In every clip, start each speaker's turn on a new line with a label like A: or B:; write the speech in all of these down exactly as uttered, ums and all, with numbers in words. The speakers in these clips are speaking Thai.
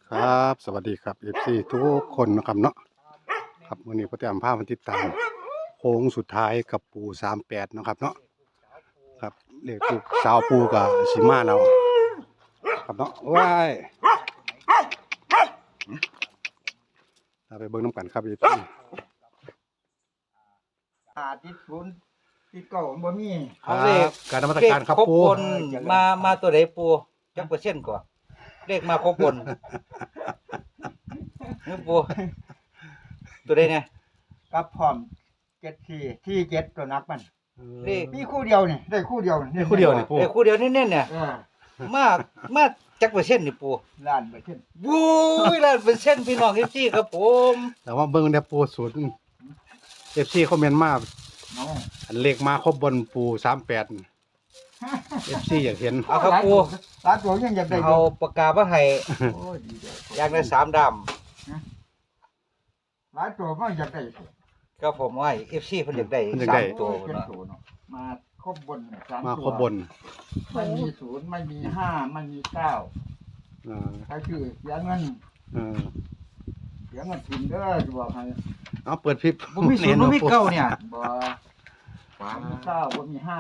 A: ครับสวัสดีครับ เอฟ ซี ทุกคนนะครับเนาะครับวันนี้พ่อแต้มพามาติดตามโค้งสุดท้ายกับปูสามแปดนะครับเนาะครับเรียกลูกสาวปูกับสีมาเราครับเนาะว้ายเราไปเบิ่งน้ำกันครับ เอฟ ซี
B: หาติดศูนย์ติดเก่าบ่มี
A: ครับการนมัสการครับ
C: ครบ
A: ปู
C: บนมามาตัวไหนปูจักเปอร์เซ็นต์กว่าเลขมาครบบนนี่ปูตัวใดเนี่ย
B: กับพร้อมเจ็ดสี่ที่เจ็ดตัวนักมัน
C: เลข
B: มีคู่เดียวนี่ได้คู่เดียว
A: นี่คู่เดียวนี่ปู
C: เลขคู่เดียวเน้นๆเนี่ย
B: เออ
C: มามาจักเปอร์เซ็นต์นี่ปู
B: ล้านเปอร์เซ็นต์
C: บู้ยล้านเปอร์เซ็นต์พี่น้องเอฟซีครับผม
A: แต่ว่าเบิ่งได้ปูศูนย์ เอฟ ซี คอมเมนต์มา
B: เนาะ
A: อันเลขมาครบบนปูสามแปด เอฟ ซี อยากเห็น
C: เอาครับปู
B: หลายตัวยังอยากได้
C: เอาปากกามาให้
B: โอ้ยดีเด้อ
C: อยากได้สามด
B: หลายตัวก็อยากได้
C: ำครับผมว่าเอฟซีเพิ่นอยากได้
A: เพิ่นอยาก
C: สา
A: ได้
C: มตัว
B: เจ็ด
C: เนาะ
B: ตัวเนาะมาครบบนเนี่ยสาม
A: มา
B: ตัว
A: ครบบน
B: ไม่มีศูนย์ไม่มีห้าไม่มีเก้า
A: เออ
B: ใครคือเสียเงิน
A: เออ
B: เสียเงินกินเด้อจะบอกให้
A: เอาเปิดคลิป
C: บ่มีศูนย์บ่มีเก้าเนี่ย
B: บ่บ่มีเก้าบ่มีห้า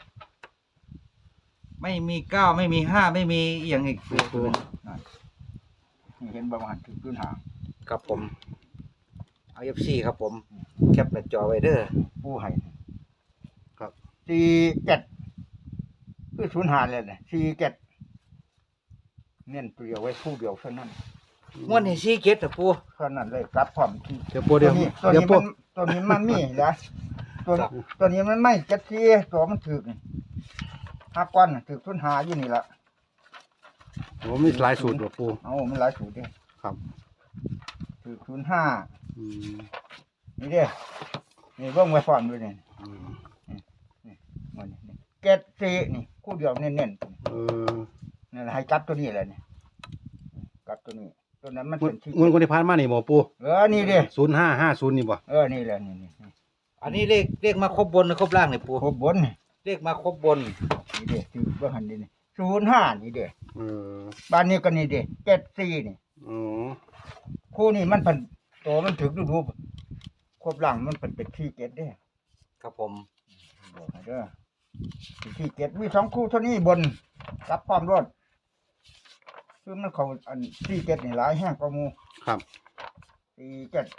C: ไม่มีเก้าไม่มีห้าไม่มีอหย่างอีก
A: ปู
B: นี่เห็นประมาณถึงพื้นหาง
C: ครับผมเอาเอฟซีครับผมแคปหน้าจอไว้เด้อ
B: ผู้ให้
A: ครับ
B: สี่เจ็ดคือศูนย์หาเลยเนี่ยสี่เจ็ดเน้นตัวเดียวไว้คู่เดียวเท่านั้น
C: ม้วนให้ซีเกตอ่ะปู
B: เท่านั้นเลยกลับพร้อมที่
A: เดี๋ยวปูเดี๋ยว
B: นี้ตัว
A: เดี๋ยว
B: นี้
A: ปู
B: มันตัวนี้มันมีนะตัวตัวนี้มันไม่เจ็ดสี่ตัวมันถึกนี่ห้าก้อนน่ะถึกศูนย์หาอยู่นี่ละ
A: ผมมีหลายสูตรว่ะปู
B: เอามันหลายสูตรเด้
A: ครับ
B: ถึกศูนย์ห้า
A: อืม
B: นี่เด้นี่เบิ่งไว้พร้อมด้วยนี่
A: อืม
B: มันนี่เจ็ดสี่นี่คู่เดียวเน้นๆ
A: เออ
B: นั่นแหละให้กลับตัวนี้แหละนี่กลับตัวนี้ ตัวนั้นมัน
A: เงิ
B: เป็น นที่
A: เงินคนที่ผ่านมานี่บ่ปู
B: เออนี่เด้
A: ศูนย์ห้าห้าศูนย์นี่บ่
B: เออนี่แหละนี่นี่นี่
C: อันนี้เลขเลขมาครบบนหรือครบล่างเนี่ยปู
B: ครบบนนี่
C: เลขมาครบบน
B: นี่เด้ถือว่าหันนี่นี่ศูนย์ห้านี่เด้
A: เออ
B: บ้านนี้ก็นี่เด้เจ็ดสี่นี่
A: อ๋อ
B: คู่นี้มันเป็นตัวมันถึงดูดูครบหลังมันเป็นเป็นที่เจ็ดเด้
C: ครับผม
B: บอกให้เด้อเป็นที่เจ็ดมีสองคู่เท่านี้บนรับพร้อมรถคือมันเขาอันที่เจ็ดนี่หลายแห้งกว่าหมู
A: ครับ
B: สี่เจ็ด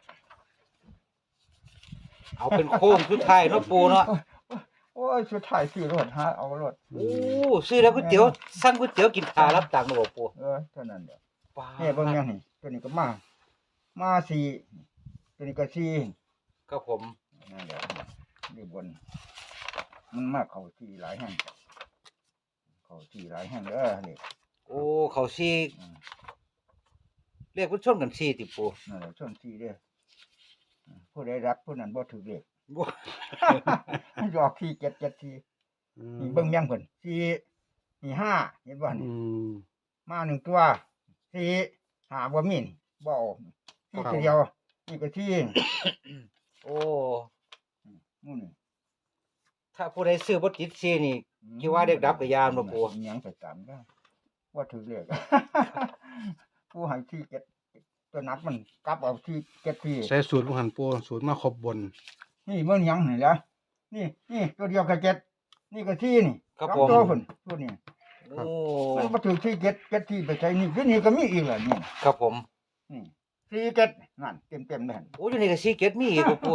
C: เอาเป็นโค้งสุดท้ายเนาะปูเนาะ
B: โอ้ยสุดท้ายซื้อรถหาเอารถ
C: โอ้ซื้อแล้วก๋วยเตี๋ยวสั่งก๋วยเตี๋ยวกินขารับตังค์เนาะบ่ปู
B: เออเท่านั้นเด้อ
C: ว้า
B: เนี่ยเบิ่งยังนี่ตัวนี้ก็มา มาสี่ตัวนี้ก็สี่
C: ครับผม
B: นั่นแหละนี่บน มันมาเข้าสี่หลายแห่งเข้าสี่หลายแห่งเด้อนี่
C: โอ้เขาซี
B: อืม
C: เลขมันชนกันซีติปู
B: นั่นแหละชนสี่เด้ออืมผู้ใดรับผู้นั้นบ่ถูกเลข
C: บ่
B: มันจะออกสี่เจ็ดเจ็ดสี่
A: อืม
B: นี่เบิ่งยังเพิ่นสี่นี่ห้าเห็นบ่
A: อื
B: นี่
A: ม
B: มาหนึ่งตัวสี่หาบ่มีนี่บ่ออกสี่ตัวเดียวนี่ก็สี่
C: โอ้
B: นู่นนี่
C: ถ้าผู้ใดซื้อบ่ติดซีนี่ คิดว่าเด็กดับกับยามบ่ปู่
B: อิหยังไปตามได้ว่าถือเลข ผู้ให้ที่เก็ดตัวนักมันกลับเอาที่เก็ดที่
A: ใช้สูตรบ่หันปูสูตรมาครบบน
B: นี่เมื่อยังนี่ละนี่นี่ตัวเดียวกับเก็ดนี่ก็ที่นี่
C: ครับ
B: สอง
C: ผม
B: ตัวพุ่นตัวนี้
C: โอ้
B: มันมาถือที่เก็ดเก็ดที่ไปใช้นี่คือนี่ก็มีอีกแหละนี่
C: ครับผม
B: นี่ที่เก็ดนั่นเต็มเต็มๆเลยหั่น
C: โอ้อยู่นี่ก็ซีเกตมีอีกบ่ปู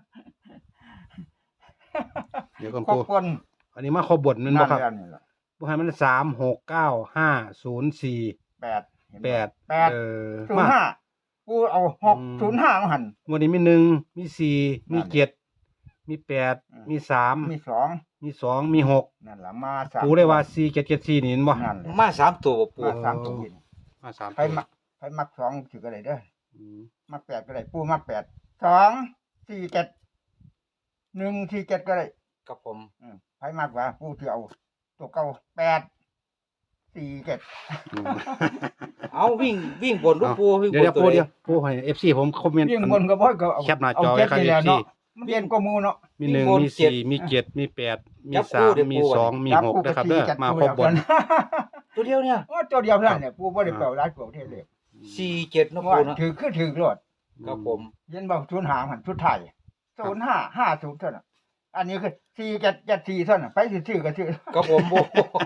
A: เดี๋ยวก่อน
B: ครบ
A: ปู
B: คน
A: อันนี้มาครบบนแม่นบ่ครับ
B: แล้วนี่ล่ะ
A: บ่ให้มันสาม หก เก้า ห้า ศูนย์ สี่
B: แปดเห็น
A: แป
B: บ่
A: ด
B: แปด
A: เออ
B: ศูน
A: มา
B: ย์ห้ากูเอาหก
A: อืม
B: ศูนย์ห้ามาหัน
A: วันนี้มีหนึ่งมีสี่มี
B: นั่น
A: เจ็ดมีแปด
B: อืม
A: มีสาม
B: มีสอง
A: มีสองมีหก
B: นั่นล่ะมาสาม
A: ปูได้ว่าสี่เจ็ดเจ็ดสี่นี่เห็นบ่
B: นั่นแหละ
C: มาสามตัวบ่ปู
B: มาสามตัวนี่
A: มาสาม
B: ใครมักใครมักสองถือก็ได้เด้อ
A: อืม
B: มักแปดก็ได้ปูมักแปดสองสี่เจ็ดหนึ่งสี่เจ็ดก็ได้
C: ครับผม
B: อืมใครมักว่าปูที่เอาตัวเก่าแปดสี่เจ็ด
A: อืม
C: เอาวิ่งวิ่งบนลูกปูวิ่ง
A: เดี๋ยว
C: บ
A: เดี๋ย
C: น
A: ว
C: ตัว
A: ปู
C: ใด
A: เดี๋ยวปูให้ เอฟ ซี ผมคอมเมนต์
B: เรียงบนก็บ่ก็เอา
A: แคปหน้าจอ
B: เจ็ด
A: ไว้ครับ
B: นี่แหละ
A: เอฟซี
B: เนาะมันเรียนก็หมูเนาะ
A: มีหนึ่งมีสี่มีเจ็ดมีแปดมีสามมีสองมีหกนะครับเด้อมาครบบน
C: ตัวเดียวเนี่ย
B: โอ้ตัวเดียวเท่านั้นเนี่ยปูบ่ได้เปล่าหลายตัวเท่าเลย
A: อื
C: สี่เจ็ดเนาะ
B: ว่า
C: ปูเนาะ
B: ถือคือถือรถ
C: ครับผม
B: เย็นบอกศูนย์หางหันชุดไทยศูนย์ห้าห้าศูนย์เท่านั้นอันนี้คือสี่เจ็ดเจ็ดสี่เท่านั้นไปซื้อๆก็ซื้อ
C: ครับผมปู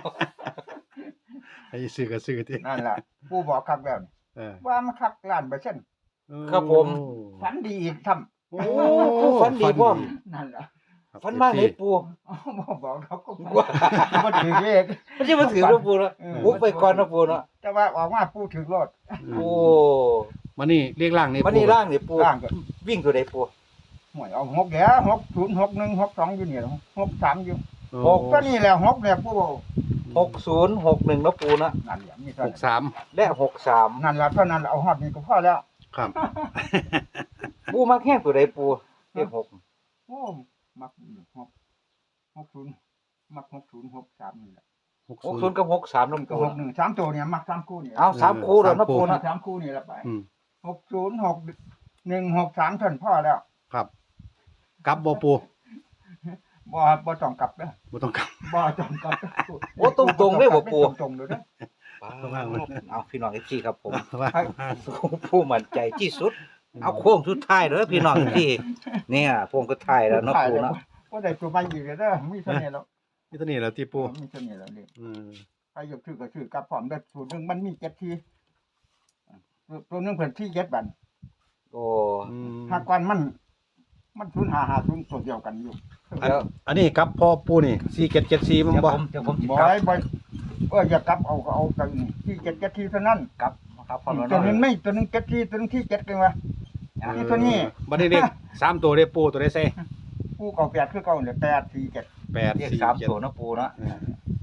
A: ให้ซื้อก็ซื้อติ
B: นั่นแหละผู้บอกคักแล้วนี่
A: เออ
B: ว่ามันคักล้านเปอร์เซ็นต์
C: ครับผม
B: ฝันดีอีกท
C: โอ้ผู้ฝันดีพร้อม
B: ำนั่นแหละ
A: ครับ
C: ฝันมาเลยปู
B: อ๋อบ่บอกเขาก็
C: ว่า
B: บ่ถือเลข
C: ไม่ใช่มาถือเนาะปูเนาะ
B: เออ
C: ปุ๊บไปก่อนเนาะปูเนาะ
B: แต่ว่าออกมาผู้ถือรถ
C: โอ้
A: มานี่เรียกร่างนี่
C: วันนี้ร่างนี่ปู
B: ร่างก็
C: วิ่งตัวใดปู
B: หวยเอาหกแล้วหกศูนย์หกหนึ่งหกสองอยู่นี่แล้วหกสามอยู่
A: โอ้
B: หกก็นี่แหละหกเนี่ยผู้บอก
C: หกศูนย์หกหนึ่งเนาะปูเนาะ
B: นั่นแหละมี
A: ห
B: เท่าก นั้น
A: สาม
C: และหกสาม
B: นั่นแหละเท่านั้นเอาฮอดนี่ก็พอแล้ว
A: ครับ
C: ปูมักแห้งตัวใดปูเลขหก
B: โอ้มักหกหกศูนย์มักหกศูนย์หกสามนี่แหละ
A: หก
C: หก
A: ศู
C: ศู
A: น
C: น
A: ย์
C: ย์กับหกสาม
B: มั
C: เนาะ
B: นก็
C: ปู
B: หกหนึ่งสามตัวเนี่ยมักสามคู่เนี่ย
C: เอาสามคู่แล้วเนาะปู
B: มั
C: เนาะ
B: กสามคู่นี่ละไป
A: อืม
B: หกศูนย์หกหนึ่งหกสามเท่านั้นพ่อแล้ว
A: ครับกลับบ่ปู
B: บ่บ่ต้องกลับเด้อ
A: บ่ต้องกลับ
B: บ่ต้องกลับเด้อ
C: โอ้ตรงตรงๆเลยบ่ปู
B: ตรงๆเลยเด้อ
C: เอาพี่น้องเอฟซีครับผม
A: ว่า
C: ผู้มั่นใจที่สุด เอาโค้งสุดท้ายเด้อพี่น้องที่เนี่ยโค้งสุดท้ายแล้วเนาะปูเนาะ
B: บ่ได้ตัวใหม่อีกเลยเด้อมีเท่านี้แล้ว
A: นี่ตัวนี้แหล้วที่ปู
B: มีเท่านี้แล้วนี่
A: อืม
B: ใครอยากซื้อก็ซื้อกลับพร้อมเด้อสูตรหนึงมันมีเจ็ดทีตัวหนึงเพิ่นที่เจ็ดบัน
C: โอ้
A: อืม
B: หากก่อนมัน มันศูนย์ห้าห้าศูนย์ตัวเดียวกันอยู่
A: อันอันนี้กลับพ่อปูนี่สี่เจ็ดเจ็ดสี่มัน
C: เดี๋ยว
A: บ่
C: ผมเดี๋ยวผมสิ
B: บ่
C: กลับ
B: ให้บ่เอออย่ากลับเอาก็เอากันที่เจ็ดเจ็ดทีเท่านั้น
C: กลับครับพอแล้ว
B: ตัวหนึง
C: เนาะ
B: ไม่ตัวหนึงเจ็ดทีตัวหนึงที่เจ็ดกันวะ นี่ตัวนี้
A: บัดนี้เด็กสามตัวเด้ปูตัวได้ใส่
B: ผู้เก่าแปดคือเก่าเนี่ยแปดสี่เจ็ด
A: แปด
C: เรียก
A: สี่
C: สาม
A: เจ็ด
C: ตัวเนาะปูเนาะ
A: เออ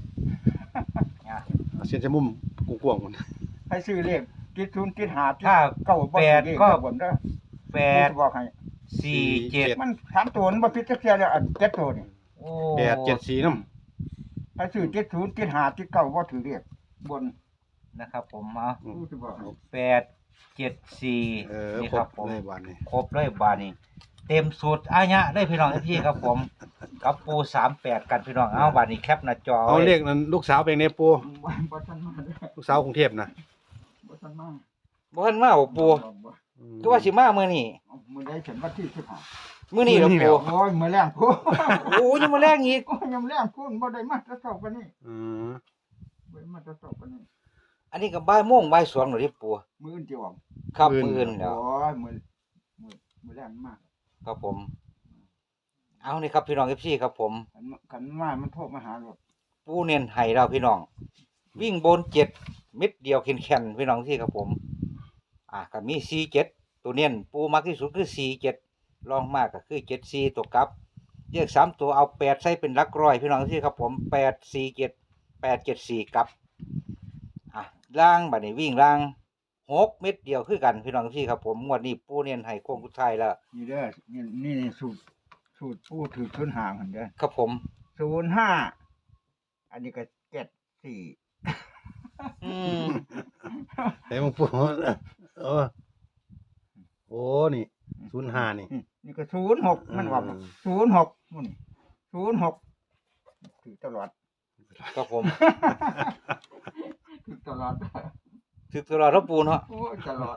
A: เอาเส้นจะมุมกว้างๆมัน
B: ให้ซื้อเลขติดศูนย์ติดหาติด
C: ถ้า
B: เก้าบ่
C: แปด
B: ถือเลข
C: ก็
B: บนเด้อ
C: แปด
B: ผู้บอกให้
C: สี่เจ็ด
B: มันสามตัวมันบ่ผิดจักเที่ยแล้วอันเจ็ดตัวนี่
C: โอ้
A: แปดเจ็ดสี่น้
B: ให้ซื้อติดศูนย์ติดหาติดเก้าบ่ถือเลขบน
C: นะครับผมเอา
A: ำ
B: ผู้สิบอกให้
C: แปดเจ็ดสี่
A: เออ
C: นี่
A: คร
C: ครับ
A: บ
C: ผม
A: เลยวันนี้
C: ครบเลยบาทนี้เต็มสูตรอายะได้พี่น้องพี่ครับผม กับปูสามแปดกันพี่น้องเอาบาทนี้แคปหน้าจอ
A: เอา
C: ไว้
A: เลขนั้นลูกสาวเป็นไงปู
B: บ่ทันมาเด้อ
A: ลูกสาวกรุงเทพนะ
B: บ่ทันมา
C: บ่ทันมาบ่ปู
B: บ่
C: ก็ว่าสิมามื้อนี้
B: เอามื้อใดฉันวันที่สิบห้า
C: มื้อนี้เหรอปู
B: โอ้ยมื้อแรงพูด
C: โอ้ยังมาแรงอีก
B: โอ้ยยังแรงพูดบ่ได้มาแตะเช้าปานนี้
A: อืม
B: บ่ได้มาแตะเช้าปานนี้
C: อันนี้ก็บ่ายโมงบ่ายสองแล้วดิปู
B: มื้ออื่นสิออก
C: ครับมื้ออื่นแล้ว
B: โอ้ยมื้อมื้อมื้อแรงมาก
C: ครับผม เอานี่ครับพี่น้อง เอฟ ซี ครับผม
B: คันคันมามันโทรมาหาโลด
C: ปูเน้นให้เราพี่น้อง วิ่งบนเจ็ดเม็ดเดียวแข็งๆพี่น้องที่ครับผม อ่ะก็มีสี่เจ็ดตัวเน้นปูมักที่สุดคือสี่เจ็ดรองมากก็คือเจ็ดสี่ตัวกลับเรียกสามตัวเอาแปดใส่เป็นหลักร้อยพี่น้องที่ครับผมแปดสี่เจ็ดแปดเจ็ดสี่กลับ อ่ะล่างบัดนี้วิ่งล่างหกเม็ดเดียวคือกันพี่น้องที่ครับผมงวดนี้ปูเน้นให้โค้งสุดท้ายแล้ว
B: นี่เด้อนี่นี่สูตรสูตรผู้ถือทุนหางหั่นเด้อ
C: ครับผม
B: ศูนย์ห้าอันนี้ก็เจ็ดสี่
C: อืม
A: แต่มึงปูเออโอ้นี่ศูนย์ห้านี่
B: นี่ก็ศูนย์หกมันว่าศูนย์หกนู่นนี่ศูนย์หกถือตลอด
C: ครับผม
B: ถือตลอด
C: ถือตลอดแล้วปูเนาะ
B: โอ้ยตลอด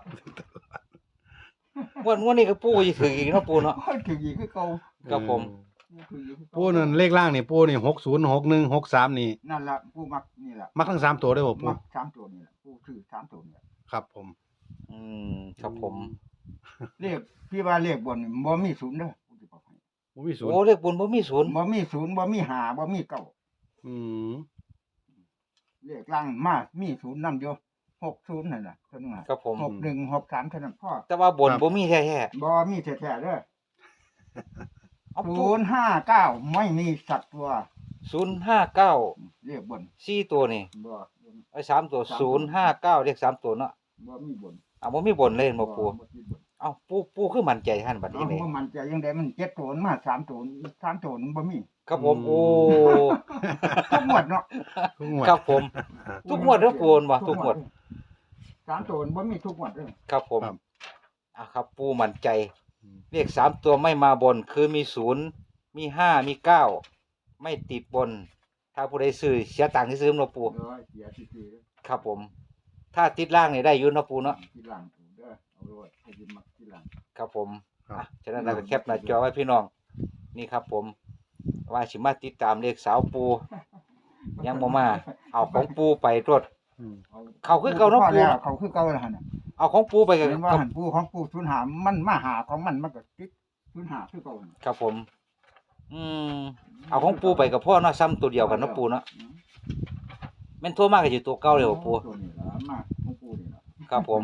C: งวดงวดนี้ก็ปูจะถืออีกเนาะปูเนาะ
B: โอ้ยถืออีกคือเก่า
C: ครับผม
B: ถืออีกคือเก่า
A: ปูนั่นเลขล่างนี่ปูนี่หกศูนย์หกหนึ่งหกสามนี่
B: นั่นล่ะผู้มักนี่ล่ะ
A: มักทั้งสามตัวได้บ่ปู
B: มักสามตัวนี่ล่ะผู้ถือสามตัวนี่ล่ะ
A: ครับผม
C: อืมครับผม
B: เลขพี่ว่าเลขบนนี่บ่มีศูนย์เด้อผู้สิบอกให้
A: บ่มีศูนย์
C: โอ้เลขบุญบ่มีศูนย์
B: บ่มีศูนย์บ่มีห้าบ่มีเก้า
A: อืม
B: เลขล่างมามีศูนย์นำอยู่หกศูนย์นั่นน่ะเท่านั้นน่ะ
C: ครับผม
B: หกหนึ่งหกสามเท่านั้นพ่อ
C: แต่ว่าบนบ่มีแท้
B: บ่มีแท้ๆเด้อ
C: ๆเอา
B: ศูนย์ห้าเก้าไม่มีสักตัว
C: ศูนย์ห้าเก้า
B: เรียกบน
C: สี่ตัวนี่
B: บ่
C: ไอ้สามตัวศูนย์ห้าเก้าเลขสามตัวเนาะ
B: บ่มีบน
C: อ่ะบ่มีบนเลยบ่ปู
B: บ่มีบน
C: เอ้าปูปูคือมั่นใจท่านบัดนี้
B: เอา
C: นี่
B: บ่มันใจยังไดมันเจ็ดตัวมันมาสามตัวสามตัวมันบ่มี
C: ครับผมโอ้
B: ทุกหมวดเนาะ
A: ทุกงวด
C: ครับผม ทุกงวดเด้อปูนบ่ทุกงวด
B: สามตัวมันบ่มีทุกหมวดเด้อ
C: ครับผม
A: ครับ
C: อ่ะครับปูมั่นใจเลขสามตัวไม่มาบนคือมีศูนย์มีห้ามีเก้าไม่ติดบน ถ้าผู้ใดซื้อเสียตังค์ที่ซื้อเนาะปู
B: เออเสียซื่อๆเด้อ
C: ครับผมถ้าติดล่างนี่ได้อยู่เนาะปูเนาะ
B: ที่หลังเด้อเอาโลดให้ยินมักที่หลัง
C: ครับผม
A: ครับ
C: อ่ะฉะนั้นเราก็แคปหน้าจอไว้พี่น้องนี่ครับผมว่าสิมาติดตามเลขสาวปูยังบ่มาเอาของปูไปตรวจ
A: อืม
C: เขาคือเก่าเนาะปู
B: แล้วเขาคือเก่าแล้วหั่นน่ะ
C: เอาของปูไปกับ
B: เห็นว่าหันปูของปูศูนย์หามันมาหาของมันมันก็ติดศูนย์หาคือเก่าหั่น
C: ครับผม อืมเอาของปูไปกับพ่อเนาะซ้ำตัวเดียวกันเนาะปูเนาะแม่นโทรมากก็อยู่ตัวเก่าเลยบ่ปู
B: ตัวนี้ล่ะมาของปูนี่ล่ะ
C: ครับผม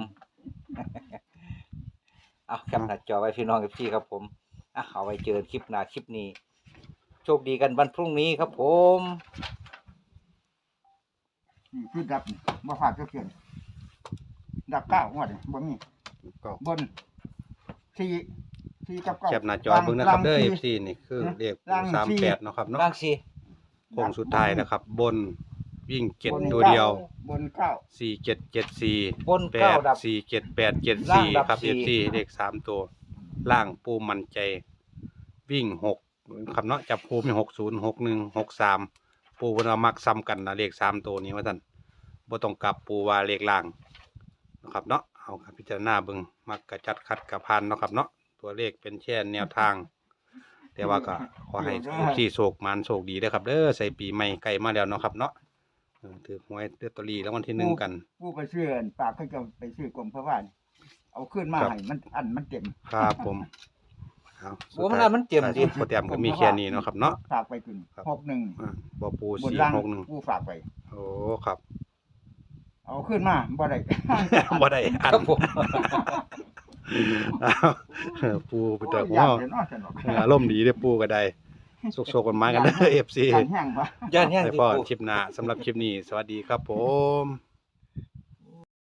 C: เอาแคปหน้าจอไว้พี่น้องกับพี่ครับผมอ่ะเอาไว้เจอคลิปหน้าคลิปนี้ โชคดีกันวันพรุ่งนี้ครับผม
B: นี่คือดับนี่บ่พลาดจักเทื่อนี่ดับเก้างวดนี่บ่มี
A: ก็
B: บนสี่สี่กับเก้า
A: แคปหน้าจอเบิ่งนะครับเด้อ
B: ล่าง
A: เอฟ ซี นี่คือเลข
B: ล่าง
A: สาม
B: สี่
A: แปดเนาะครับเนาะ
C: ร่างสิ
A: โค้งสุดท้ายนะครับ บนวิ่งเจ็ด
B: บน
A: ตัวเดียว
B: บนเก้า
A: สี่เจ็ดเจ็ดสี่
C: บน
A: แป
C: เก้า
A: ด
C: ดับ
A: สี่เจ็ดแปดเจ็ด
C: ล่าง
A: สี่
C: ดับ
A: ครับ
C: สี่
A: เอฟซีเลขสามตัว ล่างปูมันใจ วิ่งหกครับเนาะจับปูมีหกศูนย์หกหนึ่งหกสามปูเพิ่นว่ามักซ้ำกันนะเลขสามตัวนี้ว่าท่านบ่ต้องกลับปูว่าเลขล่างนะครับเนาะเอาครับพิจารณาเบิ่งมักกระจัดคัดกระพันเนาะครับเนาะตัวเลขเป็นแค่แนวทาง แต่ว่าก็ขอให้เอฟซีโชคมันโชคดีเด้อครับเด้อใส่ปีใหม่ใกล้มาแล้วเนาะครับเนาะเออถือหวยลอตเตอรี่รางวัลที่หนึ่งกัน
B: ผู้ไปซื้ออันปากเขาจะไปซื้อกรมพระว่านเอาขึ้นมา
A: ครับ
B: ให้มันอันมันเต็ม
A: ครับผมเอา
C: โอ้มันอันมันเต็มดิ
A: โปรแกรมก็มีแค่นี้เนาะครับเนาะ
B: ฝากไปถึง
A: ครับ
B: หกหนึ่ง
A: อ่าบ่ปู
B: บน
A: สี่
B: ล่าง
A: หกหนึ่ง
B: ผู้ฝากไป
A: โอ้ครับ
B: เอาขึ้นมาบ่ได้
A: บ่ได้อัน
C: ครับผม
A: อ้าวเออปูไปเจอหัว
B: ย่านเดี๋ยวเนาะสนุก
A: เอออารมณ์ดีเด้อปูก็ได้สุกๆกันมากันเด้อ เอฟ ซี
B: การแห้งปะ
C: ย่านแห้ง
A: ไป
C: ที่
A: พอ
C: ปู
A: คลิปหน้าสำหรับคลิปนี้ สวัสดีครับผม